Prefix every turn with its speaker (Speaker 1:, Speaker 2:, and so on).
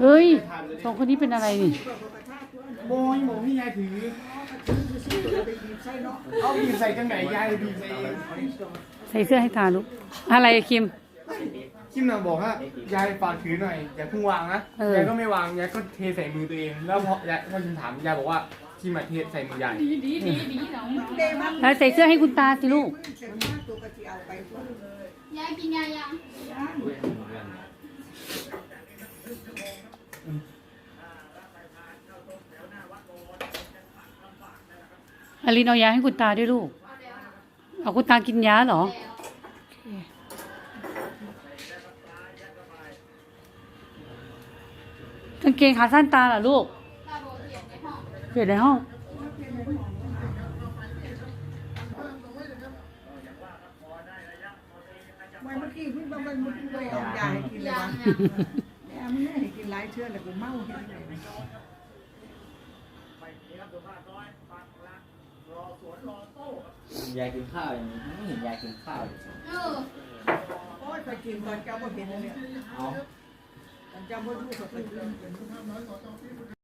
Speaker 1: เฮ้ยสองคนนี้เป็นอะไรนี่
Speaker 2: โมยหมูพี่ยายถือเอาบีบใส่จังไหนยายบีบใส่เอง
Speaker 1: ใส่เสื้อให้ตาลูกอะไรคิม
Speaker 2: คิมน่ะบอกว่ายายฝากถือหน่อยอย่าเพิ่งวางนะยายก็ไม่วางยายก็เทใส่มือตัวเองแล้วพอคิมถามยายบอกว่าคิมมาเทใส่มือยาย
Speaker 1: แล้วใส่เสื้อให้คุณตาสิลูก
Speaker 3: ยายกินยายัง
Speaker 1: อลินเอายาให้คุณตาด้วยลูกเอาคุณตากินยาเหรอกางเกงขาสั้นตาเหรอลูกเปลี่ยนในห้อง
Speaker 4: เมื่อกี้เพิ่งบางวันมันไปเอายาให้กินเลยวะเนี่ยมันไม่ให้กินหลายเชื่อเลยกูเมาเห็นไหม
Speaker 5: ยายกินข้าวอย่างนี้ไม่เห็นยายกินข้าวเลย
Speaker 4: โอ้ยไปกินตอนเจ้าบ่เห็นเลยเอาตอนเจ้าบ่รู้ก็ไปกิน